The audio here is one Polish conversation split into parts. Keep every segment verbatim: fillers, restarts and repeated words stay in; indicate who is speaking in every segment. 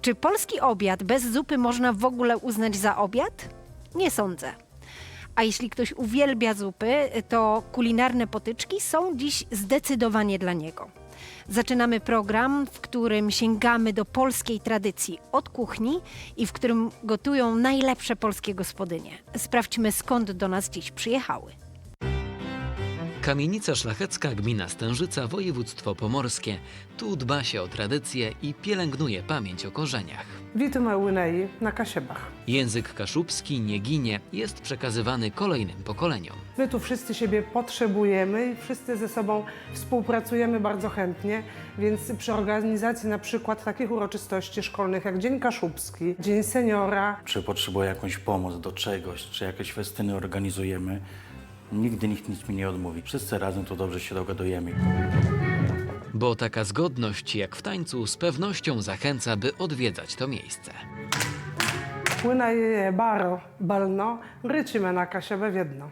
Speaker 1: Czy polski obiad bez zupy można w ogóle uznać za obiad? Nie sądzę. A jeśli ktoś uwielbia zupy, to kulinarne potyczki są dziś zdecydowanie dla niego. Zaczynamy program, w którym sięgamy do polskiej tradycji od kuchni i w którym gotują najlepsze polskie gospodynie. Sprawdźmy, skąd do nas dziś przyjechały.
Speaker 2: Kamienica Szlachecka, gmina Stężyca, województwo pomorskie. Tu dba się o tradycje i pielęgnuje pamięć o korzeniach.
Speaker 3: Witamy u Nei na Kasiebach.
Speaker 2: Język kaszubski nie ginie, jest przekazywany kolejnym pokoleniom.
Speaker 3: My tu wszyscy siebie potrzebujemy i wszyscy ze sobą współpracujemy bardzo chętnie, więc przy organizacji na przykład takich uroczystości szkolnych jak Dzień Kaszubski, Dzień Seniora.
Speaker 4: Czy potrzebuje jakąś pomoc do czegoś, czy jakieś festyny organizujemy, nigdy nikt nic mi nie odmówi. Wszyscy razem tu dobrze się dogadujemy.
Speaker 2: Bo taka zgodność jak w tańcu z pewnością zachęca, by odwiedzać to miejsce.
Speaker 3: Płyna je baro, balno, rycimy na Kasiebę w jedno.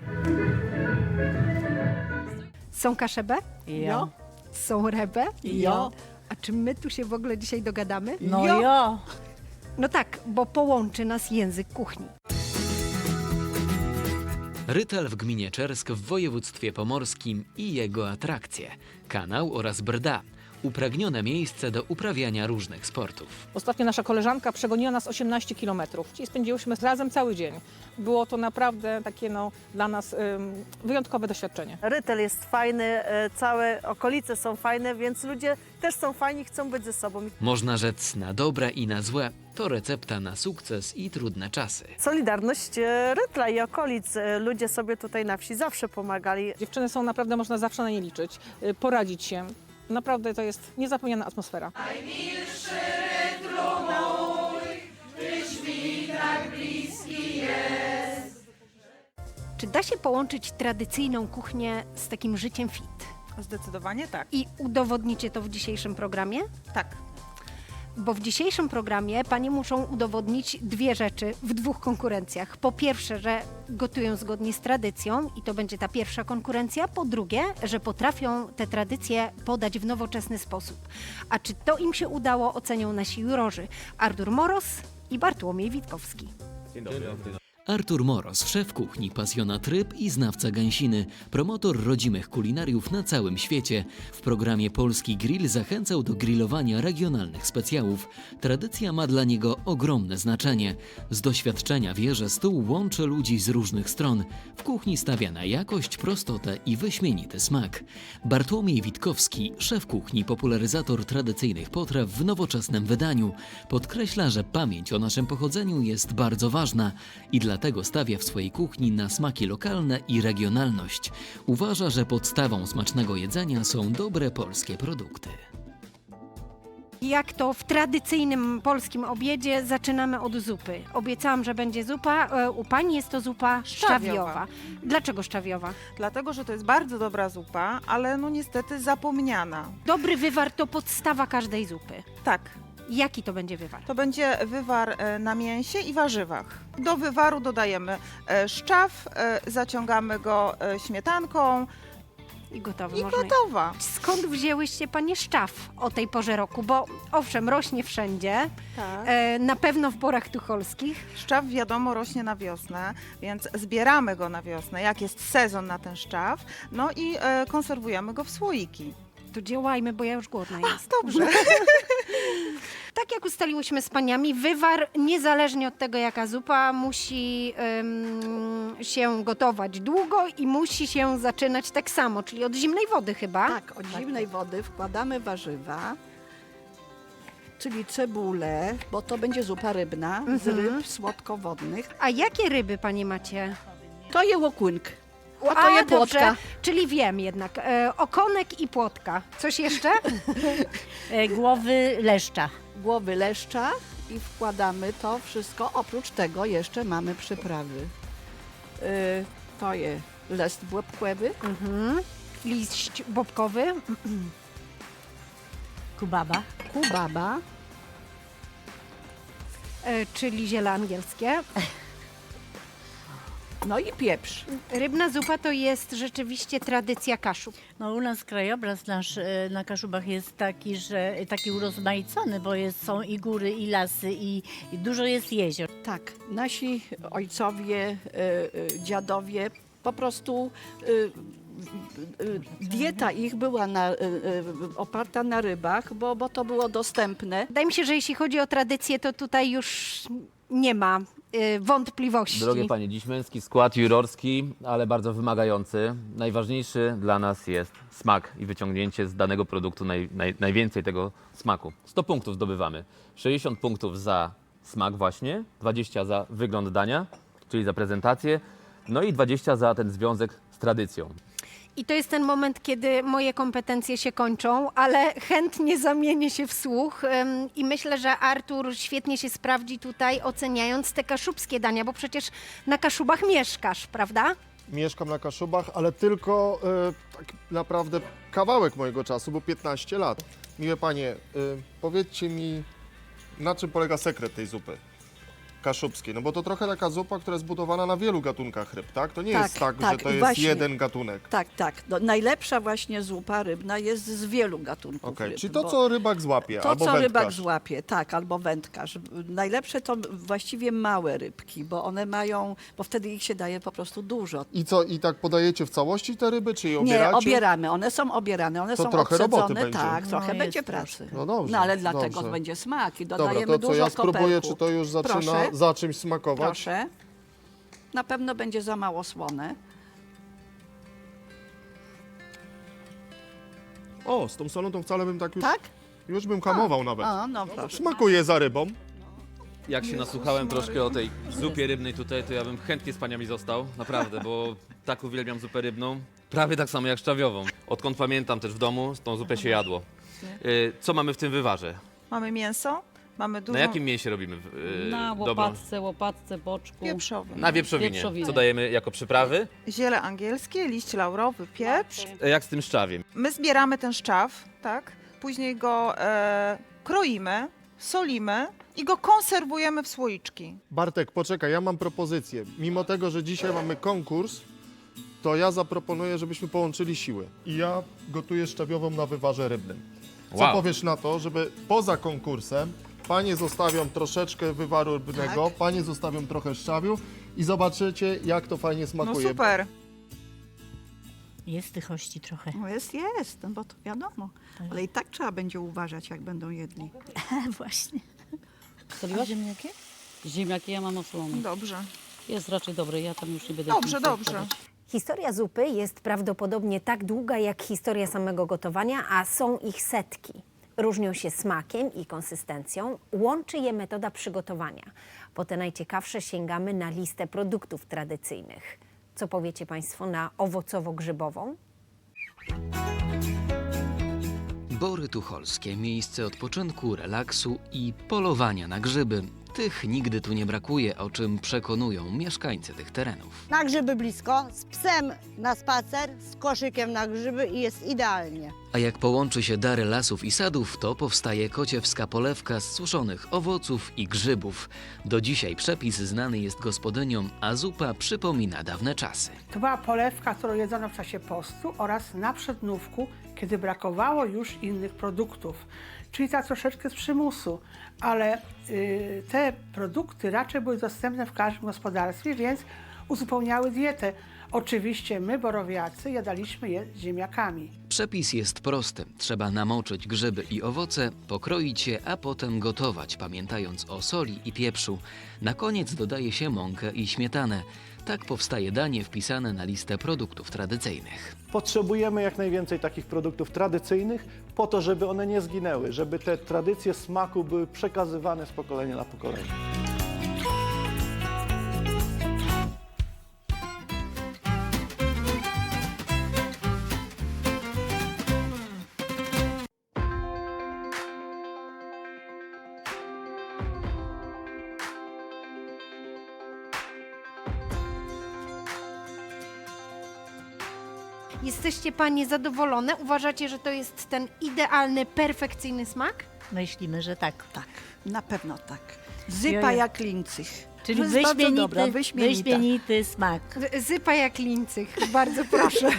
Speaker 1: Są kaszebe?
Speaker 5: Jo.
Speaker 1: Są rebe?
Speaker 5: Jo.
Speaker 1: A czy my tu się w ogóle dzisiaj dogadamy?
Speaker 5: No jo. jo.
Speaker 1: No tak, bo połączy nas język kuchni.
Speaker 2: Rytel w gminie Czersk w województwie pomorskim i jego atrakcje. Kanał oraz Brda. Upragnione miejsce do uprawiania różnych sportów.
Speaker 5: Ostatnio nasza koleżanka przegoniła nas osiemnaście kilometrów. Czyli spędziłyśmy razem cały dzień. Było to naprawdę takie no, dla nas ym, wyjątkowe doświadczenie.
Speaker 6: Rytel jest fajny, e, całe okolice są fajne, więc ludzie też są fajni, chcą być ze sobą.
Speaker 2: Można rzec na dobre i na złe. To recepta na sukces i trudne czasy.
Speaker 6: Solidarność e, Rytla i okolic. E, Ludzie sobie tutaj na wsi zawsze pomagali.
Speaker 5: Dziewczyny są naprawdę, można zawsze na nie liczyć, y, poradzić się. Naprawdę to jest niezapomniana atmosfera.
Speaker 1: Czy da się połączyć tradycyjną kuchnię z takim życiem fit?
Speaker 7: Zdecydowanie tak.
Speaker 1: I udowodnicie to w dzisiejszym programie?
Speaker 7: Tak.
Speaker 1: Bo w dzisiejszym programie panie muszą udowodnić dwie rzeczy w dwóch konkurencjach. Po pierwsze, że gotują zgodnie z tradycją i to będzie ta pierwsza konkurencja. Po drugie, że potrafią te tradycje podać w nowoczesny sposób. A czy to im się udało, ocenią nasi jurorzy Artur Moros i Bartłomiej Witkowski.
Speaker 2: Artur Moros, szef kuchni, pasjonat ryb i znawca gęsiny, promotor rodzimych kulinariów na całym świecie. W programie Polski Grill zachęcał do grillowania regionalnych specjałów. Tradycja ma dla niego ogromne znaczenie. Z doświadczenia wie, że stół łączy ludzi z różnych stron. W kuchni stawia na jakość, prostotę i wyśmienity smak. Bartłomiej Witkowski, szef kuchni, popularyzator tradycyjnych potraw w nowoczesnym wydaniu. Podkreśla, że pamięć o naszym pochodzeniu jest bardzo ważna i dla Dlatego stawia w swojej kuchni na smaki lokalne i regionalność. Uważa, że podstawą smacznego jedzenia są dobre polskie produkty.
Speaker 1: Jak to w tradycyjnym polskim obiedzie, zaczynamy od zupy. Obiecałam, że będzie zupa. E, U pani jest to zupa szczawiowa.
Speaker 7: Szczawiowa.
Speaker 1: Dlaczego szczawiowa?
Speaker 7: Dlatego, że to jest bardzo dobra zupa, ale no niestety zapomniana.
Speaker 1: Dobry wywar to podstawa każdej zupy.
Speaker 7: Tak,
Speaker 1: Jaki to będzie wywar?
Speaker 7: to będzie wywar e, na mięsie i warzywach. Do wywaru dodajemy e, szczaw, e, zaciągamy go e, śmietanką
Speaker 1: I gotowy.
Speaker 7: i
Speaker 1: można
Speaker 7: gotowa.
Speaker 1: Skąd wzięłyście panie szczaw o tej porze roku? Bo owszem, rośnie wszędzie,
Speaker 7: Tak.
Speaker 1: e, na pewno w porach tucholskich.
Speaker 7: Szczaw wiadomo rośnie na wiosnę, więc zbieramy go na wiosnę, jak jest sezon na ten szczaw, no i e, konserwujemy go w słoiki.
Speaker 1: To działajmy, bo ja już głodna jest.
Speaker 7: Dobrze.
Speaker 1: Tak jak ustaliłyśmy z paniami, wywar, niezależnie od tego jaka zupa, musi ym, się gotować długo i musi się zaczynać tak samo, czyli od zimnej wody chyba.
Speaker 8: Tak, od zimnej wody wkładamy warzywa, czyli cebulę, bo to będzie zupa rybna z
Speaker 1: Mhm.
Speaker 8: ryb słodkowodnych.
Speaker 1: A jakie ryby panie macie?
Speaker 8: To je łokłynk, a to je
Speaker 1: dobrze,
Speaker 8: płotka.
Speaker 1: czyli wiem jednak. E, okonek i płotka. Coś jeszcze?
Speaker 9: Głowy leszcza.
Speaker 8: Głowy leszcza i wkładamy to wszystko. Oprócz tego jeszcze mamy przyprawy. Y, to je list błebkłewy,
Speaker 1: Mhm. Liść bobkowy.
Speaker 9: Kubaba.
Speaker 8: kubaba,
Speaker 1: E, czyli ziele angielskie.
Speaker 8: No i pieprz.
Speaker 1: Rybna zupa to jest rzeczywiście tradycja Kaszub.
Speaker 9: No u nas krajobraz nasz e, na Kaszubach jest taki, że taki urozmaicony, bo jest, są i góry, i lasy, i, i dużo jest jezior.
Speaker 8: Tak, nasi ojcowie, y, y, dziadowie po prostu y, y, y, dieta ich była na, y, y, oparta na rybach, bo, bo to było dostępne.
Speaker 1: Wydaje mi się, że jeśli chodzi o tradycję, to tutaj już nie ma y, wątpliwości.
Speaker 10: Drogie panie, dziś męski skład jurorski, ale bardzo wymagający. Najważniejszy dla nas jest smak i wyciągnięcie z danego produktu naj, naj, najwięcej tego smaku. sto punktów zdobywamy. sześćdziesiąt punktów za smak właśnie, dwadzieścia za wygląd dania, czyli za prezentację, no i dwadzieścia za ten związek z tradycją.
Speaker 1: I to jest ten moment, kiedy moje kompetencje się kończą, ale chętnie zamienię się w słuch ym, i myślę, że Artur świetnie się sprawdzi tutaj, oceniając te kaszubskie dania, bo przecież na Kaszubach mieszkasz, prawda?
Speaker 11: Mieszkam na Kaszubach, ale tylko e, tak naprawdę kawałek mojego czasu, bo piętnaście lat. Miłe panie, e, powiedzcie mi, na czym polega sekret tej zupy kaszubskiej? No bo to trochę taka zupa, która jest budowana na wielu gatunkach ryb, tak? To nie
Speaker 8: Tak,
Speaker 11: jest tak,
Speaker 8: tak,
Speaker 11: że to
Speaker 8: i
Speaker 11: jest
Speaker 8: właśnie.
Speaker 11: jeden gatunek.
Speaker 8: Tak, tak. No, najlepsza właśnie zupa rybna jest z wielu gatunków
Speaker 11: Okej,
Speaker 8: ryb.
Speaker 11: czyli to,
Speaker 8: bo-
Speaker 11: co rybak złapie,
Speaker 8: To,
Speaker 11: albo
Speaker 8: co
Speaker 11: wędkarz.
Speaker 8: rybak złapie, tak, albo wędkarz. Najlepsze to właściwie małe rybki, bo one mają, bo wtedy ich się daje po prostu dużo.
Speaker 11: I co, i tak podajecie w całości te ryby, czy je
Speaker 8: Nie,
Speaker 11: obieracie?
Speaker 8: obieramy, one są obierane, one
Speaker 11: To
Speaker 8: są
Speaker 11: trochę roboty
Speaker 8: obsadzone,
Speaker 11: będzie.
Speaker 8: tak,
Speaker 9: No,
Speaker 8: trochę
Speaker 9: jest
Speaker 8: będzie
Speaker 9: troszkę.
Speaker 8: pracy.
Speaker 11: No dobrze,
Speaker 8: No ale dlatego
Speaker 11: dobrze.
Speaker 8: będzie smak i
Speaker 11: Dobra,
Speaker 8: dodajemy
Speaker 11: to co,
Speaker 8: dużo
Speaker 11: ja spróbuję,
Speaker 8: koperku.
Speaker 11: czy to już zaczyna
Speaker 8: Proszę.
Speaker 11: za czymś smakować?
Speaker 8: Proszę. Na pewno będzie za mało słone.
Speaker 11: O, z tą solą to wcale bym tak już,
Speaker 8: Tak?
Speaker 11: już bym hamował nawet.
Speaker 8: O, no proszę.
Speaker 11: Smakuje za rybą.
Speaker 10: Jak się nasłuchałem troszkę o tej zupie rybnej tutaj, to ja bym chętnie z paniami został, naprawdę, bo tak uwielbiam zupę rybną, prawie tak samo jak szczawiową. Odkąd pamiętam też w domu, tą zupę się jadło. Y, Co mamy w tym wywarze?
Speaker 7: Mamy mięso, mamy dużo
Speaker 10: Na jakim mięsie robimy y,
Speaker 9: Na
Speaker 10: dobrą?
Speaker 9: łopatce, łopatce, boczku.
Speaker 7: wieprzowy.
Speaker 10: Na wieprzowinie.
Speaker 9: Wieprzowinie.
Speaker 10: Co dajemy jako przyprawy?
Speaker 7: Ziele angielskie, liść laurowy, pieprz.
Speaker 10: E, Jak z tym szczawiem?
Speaker 7: My zbieramy ten szczaw, tak? Później go e, kroimy, solimy i go konserwujemy w słoiczki.
Speaker 11: Bartek, poczekaj, ja mam propozycję. Mimo tego, że dzisiaj mamy konkurs, to ja zaproponuję, żebyśmy połączyli siły. I ja gotuję szczawiową na wywarze rybnym. Co
Speaker 10: Wow.
Speaker 11: powiesz na to, żeby poza konkursem panie zostawią troszeczkę wywaru rybnego,
Speaker 8: Tak.
Speaker 11: panie zostawią trochę szczawiu i zobaczycie, jak to fajnie
Speaker 7: No
Speaker 11: smakuje.
Speaker 7: super.
Speaker 9: Jest tychości trochę.
Speaker 8: No jest, jest, no bo to wiadomo. Ale i tak trzeba będzie uważać, jak będą jedli.
Speaker 9: Właśnie.
Speaker 12: Soliła ziemniaki? Ziemniaki ja mam osolone.
Speaker 7: Dobrze.
Speaker 12: Jest raczej dobry, ja tam już nie będę...
Speaker 7: Dobrze,
Speaker 12: nic
Speaker 7: dobrze.
Speaker 12: dodawać.
Speaker 1: Historia zupy jest prawdopodobnie tak długa jak historia samego gotowania, a są ich setki. Różnią się smakiem i konsystencją, łączy je metoda przygotowania. Po te najciekawsze sięgamy na listę produktów tradycyjnych. Co powiecie Państwo na owocowo-grzybową?
Speaker 2: Bory Tucholskie, miejsce odpoczynku, relaksu i polowania na grzyby. Tych nigdy tu nie brakuje, o czym przekonują mieszkańcy tych terenów.
Speaker 13: Na grzyby blisko, z psem na spacer, z koszykiem na grzyby i jest idealnie.
Speaker 2: A jak połączy się dary lasów i sadów, to powstaje kociewska polewka z suszonych owoców i grzybów. Do dzisiaj przepis znany jest gospodyniom, a zupa przypomina dawne czasy.
Speaker 14: To była polewka, którą jedzono w czasie postu oraz na przednówku, kiedy brakowało już innych produktów. Czyli ta troszeczkę z przymusu, ale y, te produkty raczej były dostępne w każdym gospodarstwie, więc uzupełniały dietę. Oczywiście my, borowiacy, jadaliśmy je z ziemniakami.
Speaker 2: Przepis jest prosty. Trzeba namoczyć grzyby i owoce, pokroić je, a potem gotować, pamiętając o soli i pieprzu. Na koniec dodaje się mąkę i śmietanę. Tak powstaje danie wpisane na listę produktów tradycyjnych.
Speaker 15: Potrzebujemy jak najwięcej takich produktów tradycyjnych po to, żeby one nie zginęły, żeby te tradycje smaku były przekazywane z pokolenia na pokolenie.
Speaker 1: Jesteście Panie zadowolone? Uważacie, że to jest ten idealny, perfekcyjny smak?
Speaker 9: Myślimy, że tak.
Speaker 8: Tak, na pewno tak. Zypa
Speaker 9: Ja-
Speaker 8: jak lincych.
Speaker 9: Czyli
Speaker 13: To jest bardzo
Speaker 9: wyśmienity,
Speaker 13: dobra, wyśmienita.
Speaker 9: wyśmienity smak.
Speaker 1: Zypa jak lincych, bardzo proszę.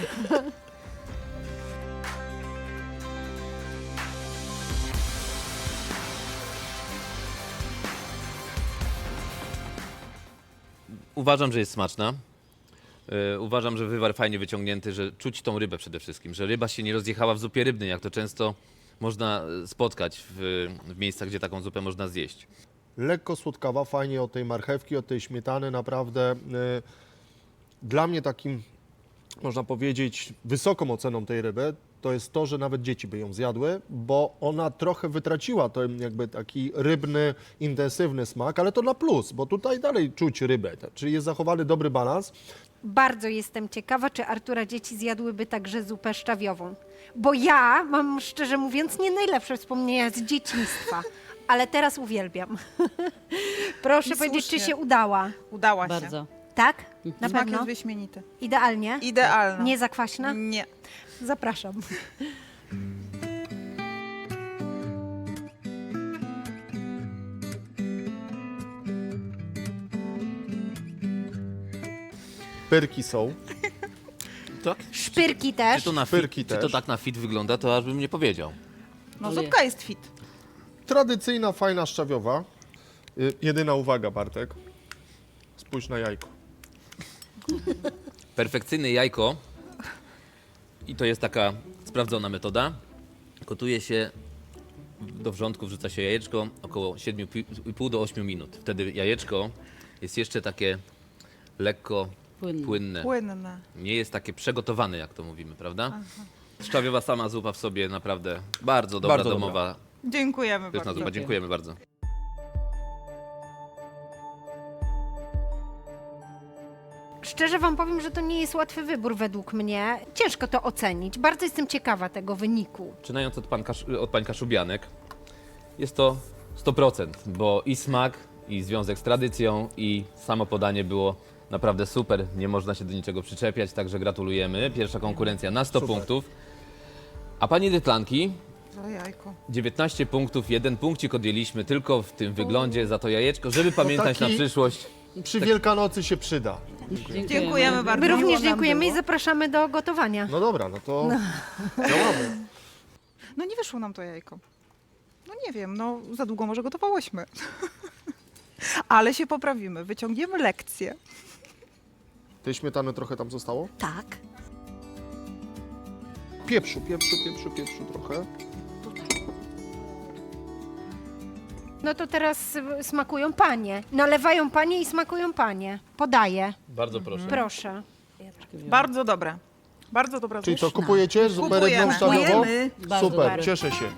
Speaker 10: Uważam, że jest smaczna. Yy, uważam, że wywar fajnie wyciągnięty, że czuć tą rybę przede wszystkim, że ryba się nie rozjechała w zupie rybnej, jak to często można e, spotkać w, w miejscach, gdzie taką zupę można zjeść.
Speaker 11: Lekko słodkawa, fajnie od tej marchewki, od tej śmietany, naprawdę. y, Dla mnie takim, można powiedzieć, wysoką oceną tej ryby to jest to, że nawet dzieci by ją zjadły, bo ona trochę wytraciła ten jakby taki rybny, intensywny smak, ale to na plus, bo tutaj dalej czuć rybę, tak? Czyli jest zachowany dobry balans.
Speaker 1: Bardzo jestem ciekawa, czy Artura dzieci zjadłyby także zupę szczawiową. Bo ja mam, szczerze mówiąc, nie najlepsze wspomnienia z dzieciństwa, ale teraz uwielbiam. Proszę
Speaker 7: I
Speaker 1: powiedzieć, czy
Speaker 7: słusznie.
Speaker 1: się udała.
Speaker 7: Udała się.
Speaker 12: Bardzo.
Speaker 1: Tak? Na
Speaker 7: Smak
Speaker 1: pewno?
Speaker 7: jest wyśmienity.
Speaker 1: Idealnie?
Speaker 7: Idealna.
Speaker 1: Nie zakwaśna?
Speaker 7: Nie.
Speaker 1: Zapraszam.
Speaker 11: Pyrki są.
Speaker 10: Tak?
Speaker 1: Szpyrki też.
Speaker 10: Czy to, na
Speaker 11: Szpyrki
Speaker 10: fit, czy to
Speaker 11: też.
Speaker 10: tak na fit wygląda, to aż bym nie powiedział.
Speaker 7: No zupka jest fit.
Speaker 11: Tradycyjna, fajna szczawiowa. Y, Jedyna uwaga, Bartek. Spójrz na jajko.
Speaker 10: Perfekcyjne jajko, i to jest taka sprawdzona metoda, gotuje się, do wrzątku wrzuca się jajeczko około siedem i pół do ośmiu minut. Wtedy jajeczko jest jeszcze takie lekko
Speaker 12: Płynne.
Speaker 10: płynne.
Speaker 7: Płynne.
Speaker 10: Nie jest takie przygotowane, jak to mówimy, prawda? Szczawiowa sama zupa w sobie naprawdę bardzo dobra,
Speaker 11: Bardzo dobra.
Speaker 10: domowa,
Speaker 7: Dziękujemy
Speaker 10: pyszna
Speaker 7: bardzo.
Speaker 10: zupa. Dziękujemy bardzo.
Speaker 1: Szczerze wam powiem, że to nie jest łatwy wybór według mnie. Ciężko to ocenić. Bardzo jestem ciekawa tego wyniku.
Speaker 10: Zaczynając od, pan Kasz, od pań Kaszubianek, jest to sto procent, bo i smak, i związek z tradycją, i samo podanie było naprawdę super. Nie można się do niczego przyczepiać, także gratulujemy. Pierwsza konkurencja na sto
Speaker 11: Super.
Speaker 10: punktów. A pani Dytlanki,
Speaker 7: Za jajko.
Speaker 10: dziewiętnaście punktów, jeden punkcik odjęliśmy tylko w tym wyglądzie za to jajeczko, żeby pamiętać
Speaker 11: taki-
Speaker 10: na przyszłość.
Speaker 11: Przy Wielkanocy się przyda.
Speaker 7: Dziękujemy bardzo.
Speaker 1: My również
Speaker 7: Miło nam
Speaker 1: dziękujemy
Speaker 7: było.
Speaker 1: i zapraszamy do gotowania.
Speaker 11: No dobra, no to działamy.
Speaker 7: No nie wyszło nam to jajko. No nie wiem, no za długo może gotowałyśmy. Ale się poprawimy, wyciągniemy lekcję.
Speaker 11: Tej śmietany trochę tam zostało?
Speaker 1: Tak.
Speaker 11: Pieprzu, pieprzu, pieprzu, pieprzu trochę.
Speaker 1: No to teraz y, smakują panie. Nalewają panie i smakują panie. Podaję.
Speaker 10: Bardzo proszę.
Speaker 1: Proszę.
Speaker 7: Bardzo dobre. Bardzo dobra
Speaker 11: Czyli
Speaker 7: zupa.
Speaker 11: co, kupujecie zupę rybną
Speaker 7: Kupujemy.
Speaker 11: szczawiową?
Speaker 7: Kupujemy.
Speaker 12: Bardzo
Speaker 11: Super,
Speaker 12: dobre.
Speaker 11: cieszę się.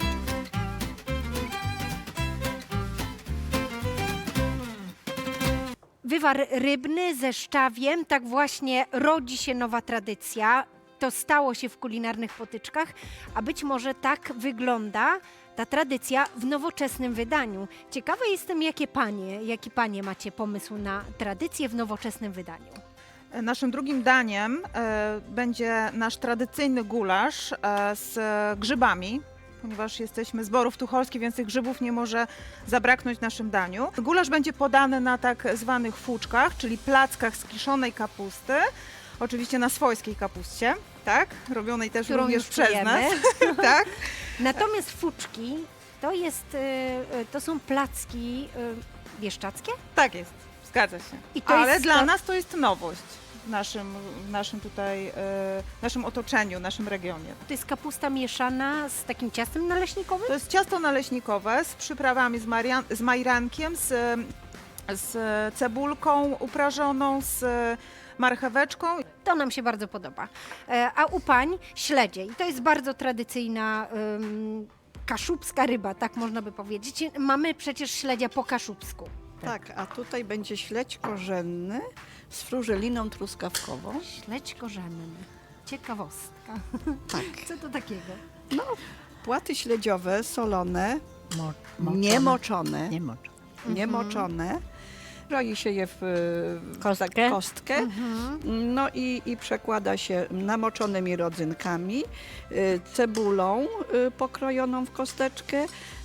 Speaker 1: Wywar rybny ze szczawiem, tak właśnie rodzi się nowa tradycja. To stało się w kulinarnych potyczkach, a być może tak wygląda ta tradycja w nowoczesnym wydaniu. Ciekawa jestem, jakie panie, jaki panie macie pomysł na tradycję w nowoczesnym wydaniu.
Speaker 7: Naszym drugim daniem e, będzie nasz tradycyjny gulasz e, z grzybami, ponieważ jesteśmy z Borów Tucholskich, więc tych grzybów nie może zabraknąć w naszym daniu. Gulasz będzie podany na tak zwanych fuczkach, czyli plackach z kiszonej kapusty, oczywiście na swojskiej kapuście, tak? Robionej też
Speaker 1: Którą
Speaker 7: również
Speaker 1: już
Speaker 7: przez
Speaker 1: czujemy.
Speaker 7: nas. tak?
Speaker 1: Natomiast fuczki to, jest, y, y, to są placki y, bieszczackie?
Speaker 7: Tak jest, zgadza się.
Speaker 1: I to
Speaker 7: Ale
Speaker 1: jest
Speaker 7: dla
Speaker 1: to-
Speaker 7: nas to jest nowość w naszym, w naszym tutaj, e, naszym otoczeniu, naszym regionie.
Speaker 1: To jest kapusta mieszana z takim ciastem naleśnikowym?
Speaker 7: To jest ciasto naleśnikowe z przyprawami, z, marian- z majrankiem, z, z cebulką uprażoną, z marcheweczką.
Speaker 1: To nam się bardzo podoba. E, A u pań śledzie. I to jest bardzo tradycyjna ym, kaszubska ryba, tak można by powiedzieć. Mamy przecież śledzia po kaszubsku.
Speaker 13: Tak, a tutaj będzie śledź korzenny z frużeliną truskawkową.
Speaker 1: Śledź korzenny. Ciekawostka.
Speaker 13: Tak.
Speaker 1: Co to takiego?
Speaker 13: No, płaty śledziowe, solone,
Speaker 9: Mo- moczone.
Speaker 13: niemoczone,
Speaker 9: Nie moczone.
Speaker 13: niemoczone. Roi się je w w
Speaker 9: Kostkę.
Speaker 13: tak, kostkę.
Speaker 1: Mhm.
Speaker 13: No i, i przekłada się namoczonymi rodzynkami, y, cebulą y, pokrojoną w kosteczkę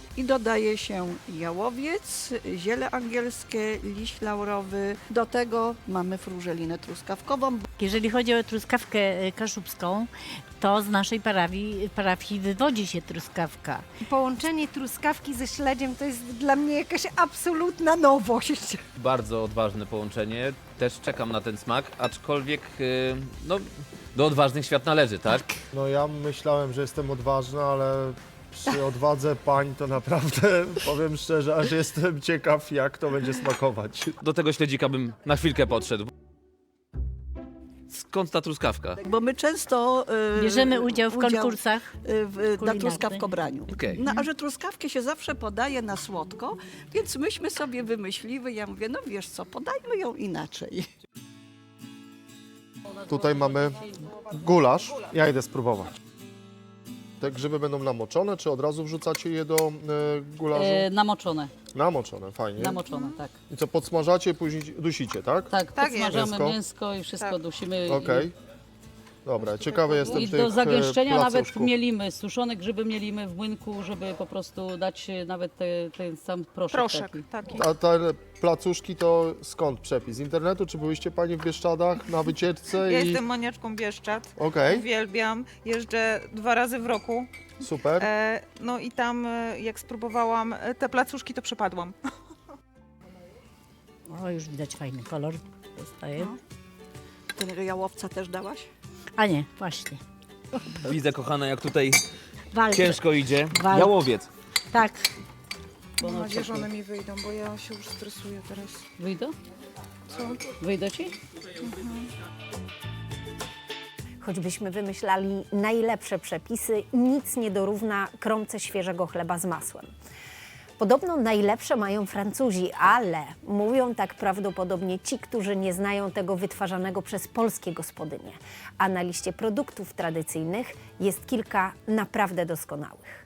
Speaker 8: i dodaje się jałowiec, ziele angielskie, liść laurowy. Do tego mamy frużelinę truskawkową.
Speaker 9: Jeżeli chodzi o truskawkę e, kaszubską, to z naszej parafii, parafii wywodzi się truskawka.
Speaker 1: Połączenie truskawki ze śledziem to jest dla mnie jakaś absolutna nowość.
Speaker 10: Bardzo odważne połączenie. Też czekam na ten smak, aczkolwiek y, no, do odważnych świat należy, tak?
Speaker 11: No ja myślałem, że jestem odważny, ale przy odwadze pań to naprawdę, powiem szczerze, aż jestem ciekaw, jak to będzie smakować.
Speaker 10: Do tego śledzika bym na chwilkę podszedł. Skąd ta truskawka?
Speaker 8: Bo my często y,
Speaker 9: Bierzemy udział w
Speaker 8: udział,
Speaker 9: konkursach
Speaker 8: y, w, na
Speaker 9: kulinarnych.
Speaker 8: truskawkobraniu.
Speaker 10: Okej.
Speaker 8: No, a że truskawkę się zawsze podaje na słodko, więc myśmy sobie wymyśliły, ja mówię, no wiesz co, podajmy ją inaczej.
Speaker 11: Tutaj mamy gulasz. Ja idę spróbować. Te grzyby będą namoczone, czy od razu wrzucacie je do e, gulaszu?
Speaker 12: E, namoczone,
Speaker 11: Namoczone, fajnie.
Speaker 12: namoczone, tak.
Speaker 11: I co, podsmażacie, później dusicie, tak?
Speaker 12: Tak,
Speaker 7: Tak jest.
Speaker 12: podsmażamy
Speaker 11: Mięsko.
Speaker 12: mięsko i wszystko
Speaker 7: Tak.
Speaker 12: dusimy.
Speaker 11: Okej. Dobra, ciekawy
Speaker 12: I,
Speaker 11: jestem
Speaker 12: I
Speaker 11: tych
Speaker 12: do zagęszczenia
Speaker 11: e,
Speaker 12: nawet
Speaker 11: placuszków.
Speaker 12: mielimy, suszone grzyby mielimy w młynku, żeby po prostu dać nawet te, ten sam proszek,
Speaker 7: Proszek,
Speaker 12: taki.
Speaker 7: taki.
Speaker 11: A te placuszki to skąd przepis? Z internetu, czy byłyście Pani w Bieszczadach na wycieczce?
Speaker 7: Ja
Speaker 11: i...
Speaker 7: jestem maniaczką Bieszczad.
Speaker 11: Okej,
Speaker 7: Uwielbiam. Jeżdżę dwa razy w roku.
Speaker 11: super.
Speaker 7: E, no i tam e, jak spróbowałam e, te placuszki, to przepadłam.
Speaker 9: O, już widać fajny kolor zostaje.
Speaker 8: Tego jałowca też dałaś?
Speaker 9: A nie, właśnie.
Speaker 10: Widzę, kochana, jak tutaj
Speaker 9: Walczę.
Speaker 10: ciężko idzie.
Speaker 9: Walcz.
Speaker 10: Jałowiec.
Speaker 9: Tak.
Speaker 7: Mam nadzieję, że one mi wyjdą, bo ja się już stresuję teraz.
Speaker 12: Wyjdą?
Speaker 7: Co?
Speaker 12: Wyjdą ci?
Speaker 1: Choćbyśmy wymyślali najlepsze przepisy, nic nie dorówna kromce świeżego chleba z masłem. Podobno najlepsze mają Francuzi, ale mówią tak prawdopodobnie ci, którzy nie znają tego wytwarzanego przez polskie gospodynie. A na liście produktów tradycyjnych jest kilka naprawdę doskonałych.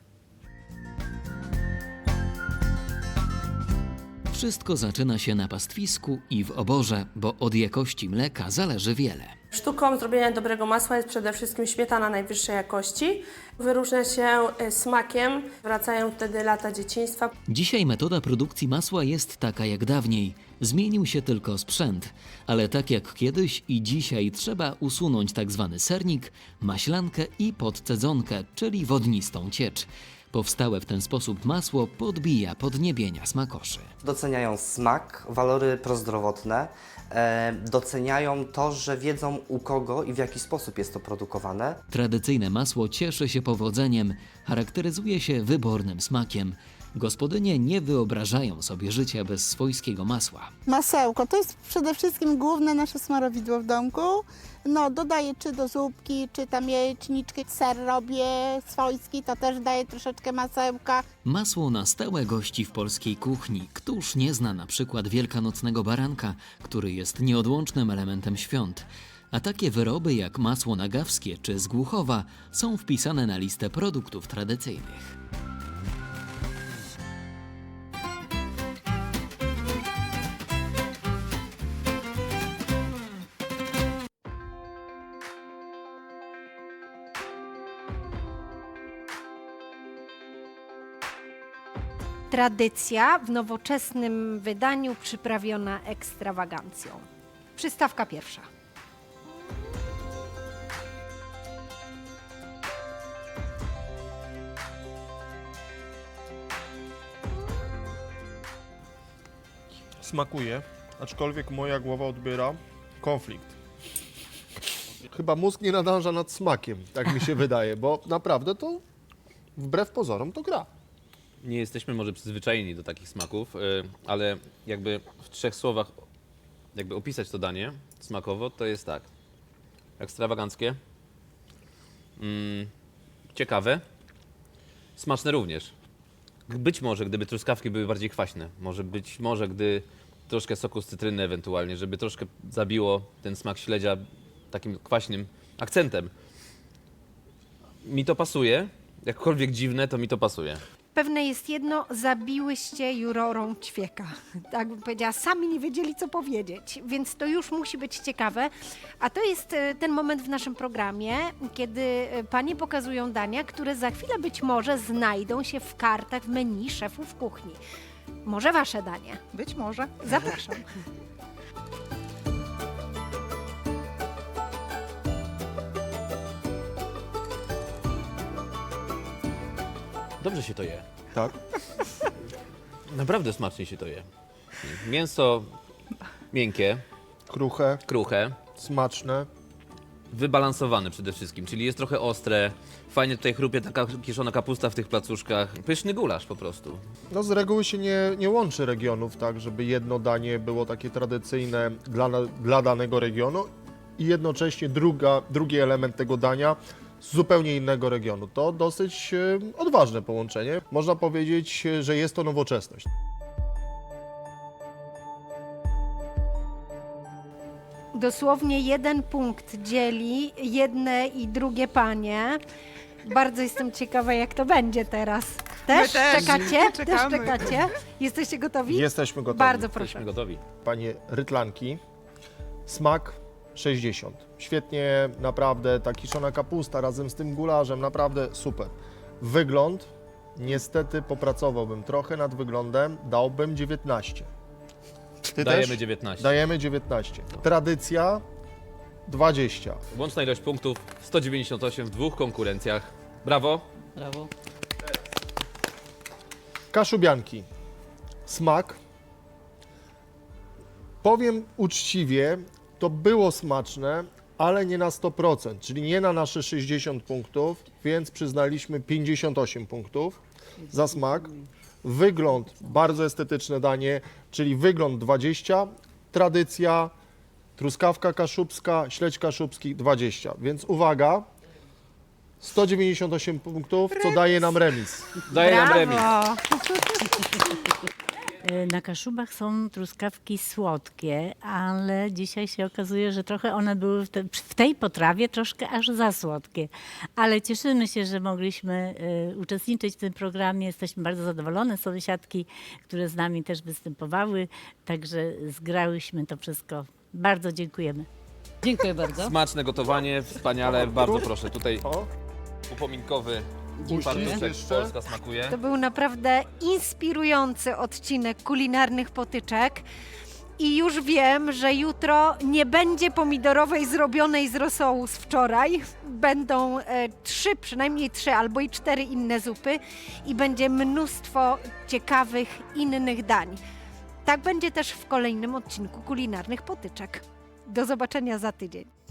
Speaker 2: Wszystko zaczyna się na pastwisku i w oborze, bo od jakości mleka zależy wiele.
Speaker 16: Sztuką zrobienia dobrego masła jest przede wszystkim śmietana najwyższej jakości. Wyróżnia się smakiem, wracają wtedy lata dzieciństwa.
Speaker 2: Dzisiaj metoda produkcji masła jest taka jak dawniej. Zmienił się tylko sprzęt, ale tak jak kiedyś i dzisiaj trzeba usunąć tak zwany sernik, maślankę i podcedzonkę, czyli wodnistą ciecz. Powstałe w ten sposób masło podbija podniebienia smakoszy.
Speaker 17: Doceniają smak, walory prozdrowotne, e, doceniają to, że wiedzą u kogo i w jaki sposób jest to produkowane.
Speaker 2: Tradycyjne masło cieszy się powodzeniem, charakteryzuje się wybornym smakiem. Gospodynie nie wyobrażają sobie życia bez swojskiego masła.
Speaker 18: Masełko to jest przede wszystkim główne nasze smarowidło w domku. No, dodaję czy do zupki, czy tam jajeczniczki. Ser robię swojski, to też daję troszeczkę masełka.
Speaker 2: Masło na stałe gości w polskiej kuchni. Któż nie zna na przykład wielkanocnego baranka, który jest nieodłącznym elementem świąt. A takie wyroby jak masło nagawskie czy z Głuchowa są wpisane na listę produktów tradycyjnych.
Speaker 1: Tradycja w nowoczesnym wydaniu przyprawiona ekstrawagancją. Przystawka pierwsza.
Speaker 11: Smakuje, aczkolwiek moja głowa odbiera konflikt. Chyba mózg nie nadąża nad smakiem, tak mi się wydaje, bo naprawdę to wbrew pozorom to gra.
Speaker 10: Nie jesteśmy może przyzwyczajeni do takich smaków, y, ale jakby w trzech słowach jakby opisać to danie smakowo, to jest tak. Ekstrawaganckie, mm, ciekawe, smaczne również. Być może, gdyby truskawki były bardziej kwaśne, może być może, gdy troszkę soku z cytryny ewentualnie, żeby troszkę zabiło ten smak śledzia takim kwaśnym akcentem. Mi to pasuje, jakkolwiek dziwne, to mi to pasuje.
Speaker 1: Pewne jest jedno, zabiłyście jurorom ćwieka. Tak bym powiedziała, sami nie wiedzieli, co powiedzieć, więc to już musi być ciekawe. A to jest e, ten moment w naszym programie, kiedy e, panie pokazują dania, które za chwilę być może znajdą się w kartach w menu szefów kuchni. Może wasze danie?
Speaker 7: Być może.
Speaker 1: Zapraszam.
Speaker 10: Dobrze się to je.
Speaker 11: Tak.
Speaker 10: Naprawdę smacznie się to je. Mięso miękkie,
Speaker 11: Kruche,
Speaker 10: kruche,
Speaker 11: smaczne.
Speaker 10: wybalansowane przede wszystkim, czyli jest trochę ostre, fajnie tutaj chrupie taka kiszona kapusta w tych placuszkach. Pyszny gulasz po prostu.
Speaker 11: No z reguły się nie, nie łączy regionów, tak, żeby jedno danie było takie tradycyjne dla, na- dla danego regionu i jednocześnie druga, drugi element tego dania z zupełnie innego regionu. To dosyć e, odważne połączenie. Można powiedzieć, e, że jest to nowoczesność.
Speaker 1: Dosłownie jeden punkt dzieli jedne i drugie panie. Bardzo jestem ciekawa, jak to będzie teraz. Też,
Speaker 7: My też.
Speaker 1: czekacie?
Speaker 7: Czekamy.
Speaker 1: Też czekacie? Jesteście gotowi?
Speaker 11: Jesteśmy gotowi.
Speaker 1: Bardzo proszę.
Speaker 10: Jesteśmy gotowi.
Speaker 11: Panie rytlanki, smak sześćdziesiąt. Świetnie, naprawdę, ta kiszona kapusta razem z tym gularzem, naprawdę super. Wygląd, niestety popracowałbym trochę nad wyglądem, dałbym dziewiętnaście. Ty
Speaker 10: Dajemy
Speaker 11: też?
Speaker 10: dziewiętnaście.
Speaker 11: Dajemy dziewiętnaście. Tradycja dwadzieścia.
Speaker 10: Łączna ilość punktów sto dziewięćdziesiąt osiem w dwóch konkurencjach. Brawo.
Speaker 12: Brawo.
Speaker 11: Kaszubianki. Smak. Powiem uczciwie, to było smaczne, ale nie na sto procent, czyli nie na nasze sześćdziesiąt punktów, więc przyznaliśmy pięćdziesiąt osiem punktów za smak. Wygląd, bardzo estetyczne danie, czyli wygląd dwadzieścia, tradycja, truskawka kaszubska, śledź kaszubski dwadzieścia. Więc uwaga, sto dziewięćdziesiąt osiem punktów, co daje nam remis.
Speaker 10: Daje nam remis.
Speaker 9: Na Kaszubach są truskawki słodkie, ale dzisiaj się okazuje, że trochę one były w, te, w tej potrawie troszkę aż za słodkie. Ale cieszymy się, że mogliśmy y, uczestniczyć w tym programie. Jesteśmy bardzo zadowolone. Sąsiadki, które z nami też występowały, także zgrałyśmy to wszystko. Bardzo dziękujemy.
Speaker 12: Dziękuję bardzo.
Speaker 10: Smaczne gotowanie, wspaniale. Bardzo proszę, tutaj upominkowy fartuszek Polska smakuje.
Speaker 1: To był naprawdę inspirujący odcinek kulinarnych potyczek. I już wiem, że jutro nie będzie pomidorowej zrobionej z rosołu z wczoraj. Będą e, trzy, przynajmniej trzy albo i cztery inne zupy i będzie mnóstwo ciekawych innych dań. Tak będzie też w kolejnym odcinku kulinarnych potyczek. Do zobaczenia za tydzień.